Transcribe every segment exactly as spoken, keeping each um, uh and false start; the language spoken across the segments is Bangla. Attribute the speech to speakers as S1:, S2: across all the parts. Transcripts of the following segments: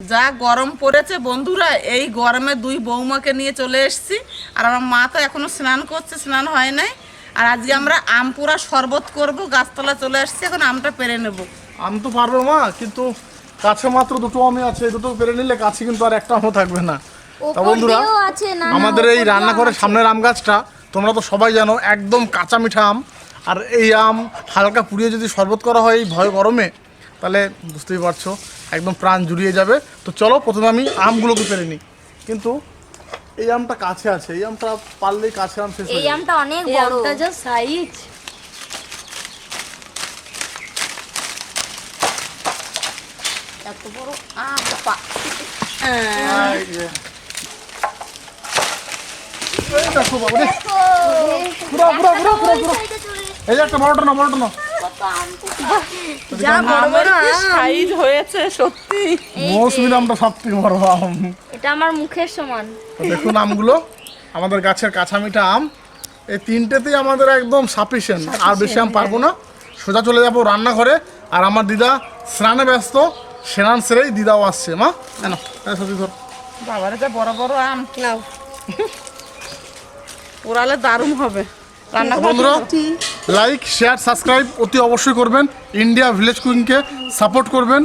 S1: যা গরম পড়েছে বন্ধুরা, এই গরমে দুই বৌমাকে নিয়ে চলে এসেছি। আর আমার মা তো এখনো স্নান করছে, স্নান হয় নাই। আর আজকে আমরা আম পুরা শরবত করবো, গাছতলা চলে আসছি, এখন আমটা পেরে নেব।
S2: আম তো পারবে মা, কিন্তু কাছে মাত্র দুটো আমই আছে, দুটো পেরে নিলে কাছে কিন্তু আর একটা আমও থাকবে না। তা বন্ধুরা, আমাদের এই রান্নাঘরের সামনের আম গাছটা তোমরা তো সবাই জানো একদম কাঁচা মিঠা আম। আর এই আম হালকা পুড়িয়ে যদি শরবত করা হয় এই ভয় গরমে, তাহলে বুঝতেই পারছো একদম প্রাণ জুড়িয়ে যাবে। তো চলো প্রথমে আমি আমগুলোকে পেরে নিই। কিন্তু এই আমটা কাছে আছে, এই আমটা পারলেই কাছে আম শেষ হয়ে
S3: এই
S2: যাবে।
S3: আমটা অনেক বড়,
S4: আমটা যা সাইজ।
S1: এত বড় আম পা
S2: এই যে। এই দেখো বাবা রে, পুরো পুরো পুরো পুরো পুরো। এই যে একটা বড়টা না, বড়টা না।
S4: যা বড় বড়
S1: আমের কি সাইজ হয়েছে সত্যি।
S2: মৌসুমী আমটা সব থেকে বড় আম।
S3: এটা আমার মুখের সমান।
S2: তো দেখুন আমগুলো, আমাদের গাছের কাঁচা মিঠা আম, এই তিনটেতেই আমাদের একদম সাফিসিয়েন্ট। আর বেশি আম পারবো না, সোজা চলে যাবো রান্নাঘরে। আর আমার দিদা স্নানে ব্যস্ত, স্নান সেরেই দিদাও আসছে। মা কেন সত্যি ধর
S1: বাবারে যা বড় বড় আম,
S4: নাও।
S1: পোড়ালে দারুণ হবে রান্না।
S2: বন্ধুরা, লাইক শেয়ার সাবস্ক্রাইব অতি অবশ্যই করবেন, ইন্ডিয়া ভিলেজ কুকিংকে সাপোর্ট করবেন।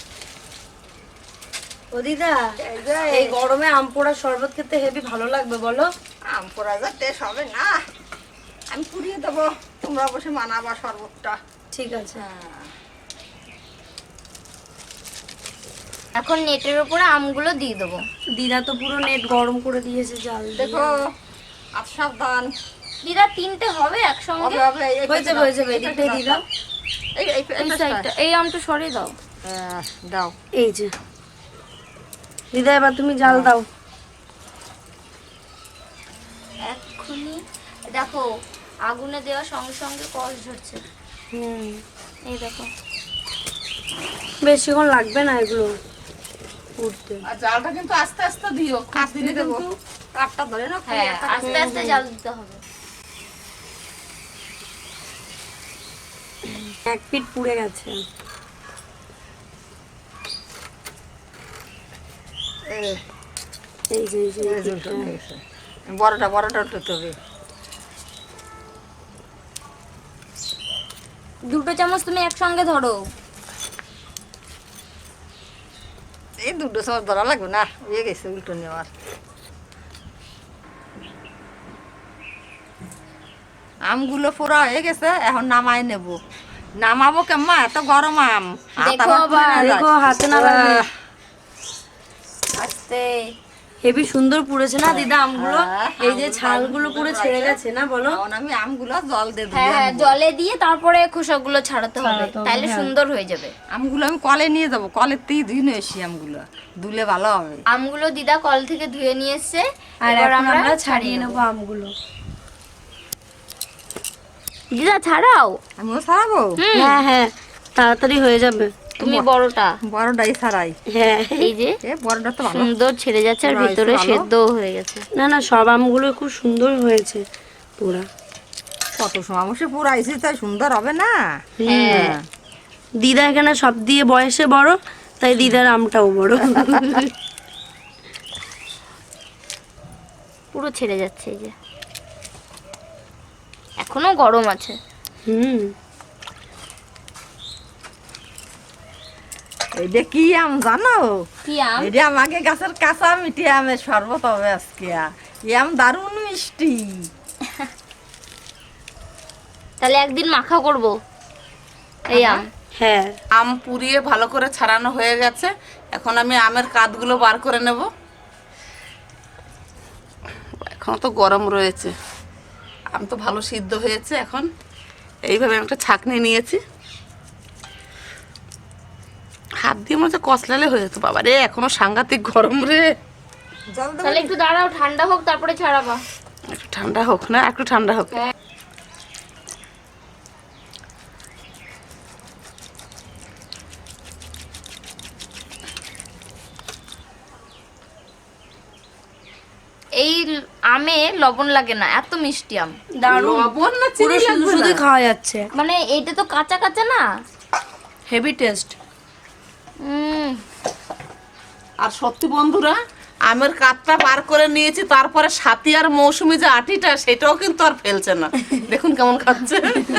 S4: ও দিদা, এই গরমে আম পোড়া শরবত খেতে হেবি ভালো লাগবে বলো?
S1: আম পোড়া যা টেস্ট হবে না, আমি পুড়িয়ে দেবো, তোমরা বসে মানাবা শরবতটা।
S4: ঠিক আছে।
S3: এখন নেটের উপরে আমগুলো দিয়ে দেবো।
S4: দিদা তো পুরো নেট গরম করে দিয়েছে জাল দিয়ে।
S1: দেখো আর সাবধান।
S3: দিদা তিনটে হবে একসঙ্গে?
S1: হবে হবে, এই
S4: হয়ে যাবে হয়ে যাবে, এদিকটাই দিদা।
S1: এই এই
S3: এই সাইডটা, এই আমটা সরিয়ে দাও।
S1: দাও।
S4: এই যে দিদা, এবার তুমি জাল দাও।
S3: এক্ষুনি দেখো আগুনে দেওয়ার সঙ্গে সঙ্গে কষ ঝরছে।
S4: হুম,
S3: এই দেখো।
S4: বেশিক্ষণ লাগবে না এগুলো উঠতে।
S1: আর জালটা কিন্তু আস্তে আস্তে দিও, কাট দিলে কিন্তু কাটটা ধরে না।
S3: হ্যাঁ, আস্তে আস্তে জাল দিতে হবে।
S4: এক পিঠ পুড়ে গেছে। এই যে এই যে এই পিঠটা।
S1: বড়টা বড়টা উঠতে হবে।
S3: দুটো চামচ তুমি একসঙ্গে ধরো।
S1: এই দুটো সময় ধরা লাগবে না, হয়ে গেছে উল্টো নেওয়ার। আমগুলো পুরো হয়ে গেছে, এখন নামাই নেব। নামাবো কেমন, এত গরম আম।
S3: দেখো আবার,
S4: দেখো হাতে না লাগে।
S3: আস্তে।
S4: হেবি সুন্দর পুড়েছে না দিদা আমগুলো? এই যে ছালগুলো পুরো ছেড়ে গেছে না বলো?
S1: এখন আমি আমগুলো জল দিয়ে
S3: হ্যাঁ
S1: দিই।
S3: হ্যাঁ, জলে দিয়ে তারপরে খোসাগুলো ছাড়াতে হবে, তাহলে সুন্দর হয়ে যাবে।
S1: আমগুলো আমি কলে নিয়ে যাবো, কলের থেকে ধুয়ে নিয়ে এসি আমগুলো, ধুলে ভালো হবে।
S3: আমগুলো দিদা কল থেকে ধুয়ে নিয়ে এসছে,
S4: আর
S3: এবার
S4: এখন
S3: আমরা
S4: আমরা
S3: ছাড়িয়ে
S4: ছাড়িয়ে
S3: নেবো।
S4: নেবো আমগুলো।
S3: দিদা ছাড়াও।
S1: আমিও ছাড়াবো।
S4: হ্যাঁ হ্যাঁ, তাড়াতাড়ি হয়ে যাবে।
S3: তুমি বড়টা।
S1: বড়টাই ছাড়াই।
S4: হ্যাঁ,
S3: এই যে
S1: এ বড়টা তো ভালো।
S3: সুন্দর ছেড়ে যাচ্ছে, আর
S1: পুরো
S3: ভিতরে
S1: ভালো।
S3: সেদ্ধও হয়ে গেছে।
S4: না না, সব আমগুলো খুব সুন্দর হয়েছে পুরা।
S1: কত সময় বসে পুরাইছি, তাই সুন্দর হবে না?
S3: হ্যাঁ,
S4: দিদা এখানে সব দিয়ে বয়সে বড়, তাই দিদার আমটাও বড়।
S3: পুরো ছেড়ে যাচ্ছে। এই যে এখনো গরম আছে।
S4: হুম,
S1: এইটা কি আম জানো?
S3: কি আম?
S1: এটা আমাকে গাছের কাঁচা মিঠে আমের শরবত হবে আজকে। এই আম দারুণ মিষ্টি।
S3: তাহলে একদিন মাখা করব এই আম।
S4: হ্যাঁ।
S1: আম পুড়িয়ে ভালো করে ছাড়ানো হয়ে গেছে, এখন আমি আমের কাঠগুলো বার করে নেব। এখন তো গরম রয়েছে, আম তো ভালো সিদ্ধ হয়েছে। এখন এইভাবে একটা ছাঁকনি নিয়েছি, হাত দিয়ে মনে হচ্ছে কচলালে হয়ে যেত। বাবা রে, এখনো সাংঘাতিক গরম রে।
S3: তাহলে একটু দাঁড়াও, ঠান্ডা হোক তারপরে ছাড়াবা।
S1: একটু ঠান্ডা হোক না, একটু ঠান্ডা হোক।
S3: হ্যাঁ। এই আমে লবণ লাগে না, এত মিষ্টি আম।
S4: দারুণ,
S1: লবণ না
S4: পুরো
S1: চিনি
S4: শুধু
S1: লাগবে
S4: শুধু
S1: না?
S4: খাওয়া যাচ্ছে।
S3: মানে এইটা তো কাঁচা কাঁচা না,
S4: হেভি টেস্ট।
S3: উম
S1: আর সত্যি বন্ধুরা আমের কাতটা বার করে নিয়েছি, তারপরে সাথী আর মৌসুমি যে আটিটা সেটাও কিন্তু আর ফেলছে না, দেখুন কেমন খাচ্ছে।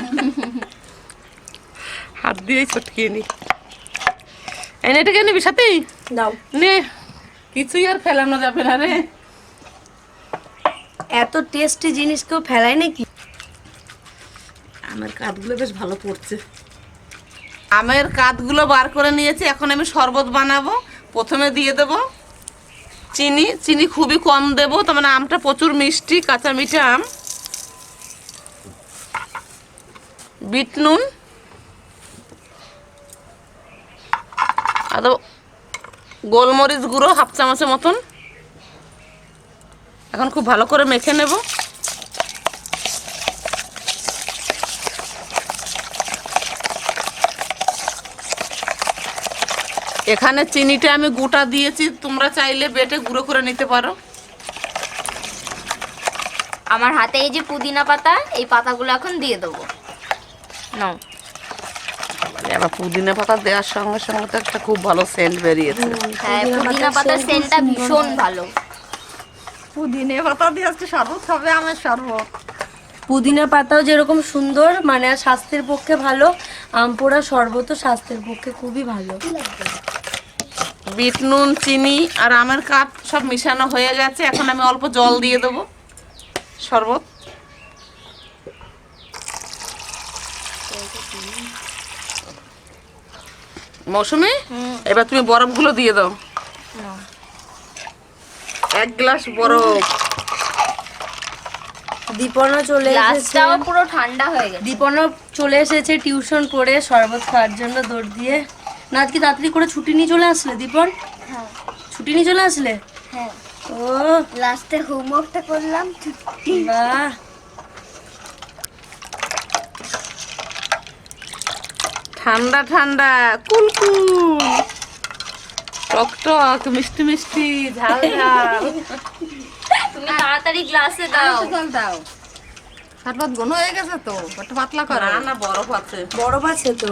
S1: হাত দিয়েই ছটকিয়ে নি, এনে এটাকে নিবি সাথী,
S4: দাও।
S1: নে, কিছুই আর ফেলানো যাবে না রে।
S4: এত টেস্টি জিনিস কেউ ফেলায় নাকি?
S1: আমের কাঠগুলো বেশ ভালো পড়ছে। আমের কাঠগুলো বার করে নিয়েছি, এখন আমি শরবত বানাবো। প্রথমে দিয়ে দেব চিনি, চিনি খুবই কম দেবো, তার মানে আমটা প্রচুর মিষ্টি, কাঁচা মিঠা আম। বিট নুন আর দেবো গোলমরিচ গুঁড়ো হাফ চামচের মতন। এখন খুব ভালো করে মেখে নেব। এখানে চিনিটা আমি গোটা দিয়েছি, তোমরা চাইলে বেটে গুঁড়ো করে নিতে পারো।
S3: আমার হাতে এই যে পুদিনা পাতা, এই পাতাগুলো এখন দিয়ে দেবো। নাও।
S1: এবার পুদিনা পাতা দেওয়ার সঙ্গে সঙ্গে তো একটা খুব ভালো সেন্ট বেরিয়েছে।
S3: হ্যাঁ, পুদিনা পাতার সেন্টটা ভীষণ ভালো।
S1: পুদিনা পাতা দিয়ে আজকে শরবত খাবে, আমার শরবত।
S4: পুদিনা পাতাও যেরকম সুন্দর, মানে আর স্বাস্থ্যের পক্ষে ভালো, আম পোড়া শরবতও স্বাস্থ্যের পক্ষে খুবই ভালো।
S1: বিট নুন, চিনি আর আমের কাপ সব মিশানো হয়ে গেছে, এখন আমি অল্প জল দিয়ে দেবো শরবত। মৌসুমি, এবার তুমি বরফগুলো দিয়ে দাও, এক গ্লাস বরফ।
S4: দীপনও চলে এসেছে,
S3: গ্লাসটাও পুরো ঠান্ডা হয়ে গেছে।
S4: দীপনও চলে এসেছে টিউশন করে শরবত খাওয়ার জন্য দৌড় দিয়ে। না আজকে তাড়াতাড়ি করে ছুটি নিয়ে চলে আসলে দীপন?
S3: হ্যাঁ
S4: ছুটি নিয়ে চলে আসলে?
S3: হ্যাঁ,
S4: ও
S3: লাস্টে হোমওয়ার্কটা করলাম।
S4: বাহ,
S1: ঠান্ডা ঠান্ডা কুলকুল, টক টক, মিষ্টি মিষ্টি, ঝাল ঝাল।
S3: তুমি তাড়াতাড়ি গ্লাসে দাও।
S1: দাও, শরবত ঘন হয়ে গেছে তো, একটু পাতলা করো। না না, বরফ আছে।
S4: বরফ আছে তো।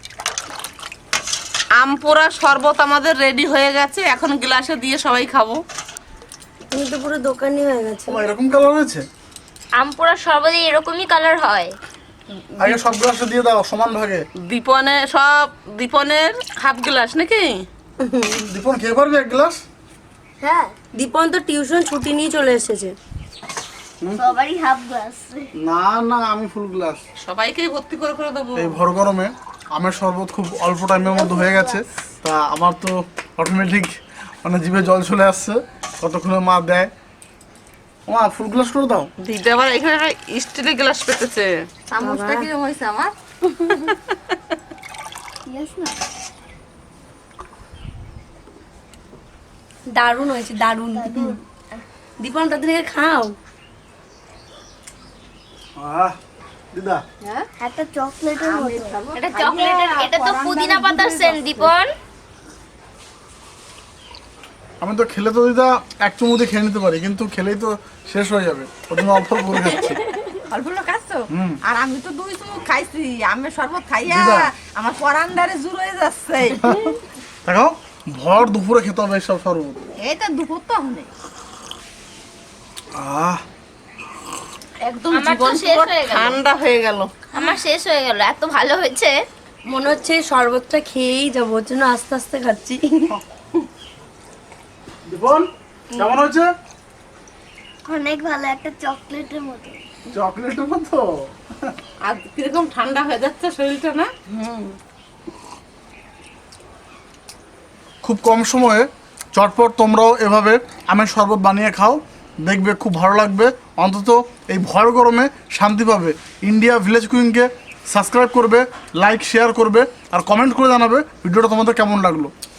S1: আম পোড়া শরবত আমাদের রেডি হয়ে গেছে, এখন গ্লাসে দিয়ে সবাই খাবো।
S4: তুমি তো পুরো দোকানি হয়ে গেছে।
S2: ও, এরকম কালার হয়েছে?
S3: আম পোড়া সর্বদা এরকমই কালার হয়।
S2: আগে সব গ্লাসে দিয়ে দাও সমান ভাগে।
S1: দীপনে সব, দীপনের হাফ গ্লাস নাকি?
S2: দীপন খেয়ে পারবে এক গ্লাস?
S3: হ্যাঁ,
S4: দীপন তো টিউশন ছুটি নিয়ে চলে এসেছে।
S3: সবারই হাফ গ্লাস।
S2: না না, আমি ফুল গ্লাস।
S1: সবাইকেই ভর্তি করে করে দেবো।
S2: এই ভর গরমে আমের শরবত খুব অল্প টাইমের মধ্যে হয়ে গেছে, তা আমার তো অটোমেটিক মানে জিভে জল চলে আসছে, কতক্ষণে মা দেয়। মা ফুল গ্লাস করে দাও।
S1: দিদি আবার এখানে স্টিলের গ্লাস পেতেছে।
S3: চামচটা কি হয়েছে আমার?
S4: দারুণ হয়েছে, দারুণ। দীপন তাদেরকে খাও।
S2: আহ দিদা,
S3: একটা চকলেটের মতো। এটা চকলেটের, এটা তো পুদিনা পাতার সেন্ট দীপন।
S2: আমি তো খেলে তো দিদা এক চুমুতে খেয়ে নিতে পারি, কিন্তু খেলেই তো শেষ হয়ে যাবে, ওর জন্য অল্প অল্প করে খাচ্ছি।
S1: অল্প লোক খাচ্ছো?
S2: হুম।
S1: আর আমি তো দুই চুমুক খাইছি, আমের শরবত খাইয়া
S2: দিদা।
S1: আমার পরান্ডারে জুর হয়ে যাচ্ছে।
S2: দেখো, ভর দুপুরে খেতে হবে সব শরবত।
S1: এই তো দুপুর তো হলে
S2: আহ
S1: একদম
S3: আমার তো
S1: জীবন
S3: শেষ
S1: পুরো
S3: হয়ে গেল।
S1: ঠান্ডা হয়ে গেল।
S3: আমার শেষ হয়ে গেল, এত ভালো হয়েছে।
S4: মনে হচ্ছে এই শরবতটা খেয়েই যাবো, ওর জন্য আস্তে আস্তে খাচ্ছি।
S2: দীপন কেমন হয়েছে?
S3: অনেক ভালো, একটা চকলেটের মতো।
S2: চকলেটের মতো।
S1: আর কিরকম ঠান্ডা হয়ে যাচ্ছে শরীরটা না?
S2: খুব কম সময়ে চটপট তোমরাও এভাবে আমের শরবত বানিয়ে খাও, দেখবে খুব ভালো লাগবে। অন্তত এই ভর গরমে শান্তি পাবে। ইন্ডিয়া ভিলেজ কুইংকে সাবস্ক্রাইব করবে, লাইক শেয়ার করবে আর কমেন্ট করে জানাবে ভিডিওটা তোমাদের কেমন লাগলো।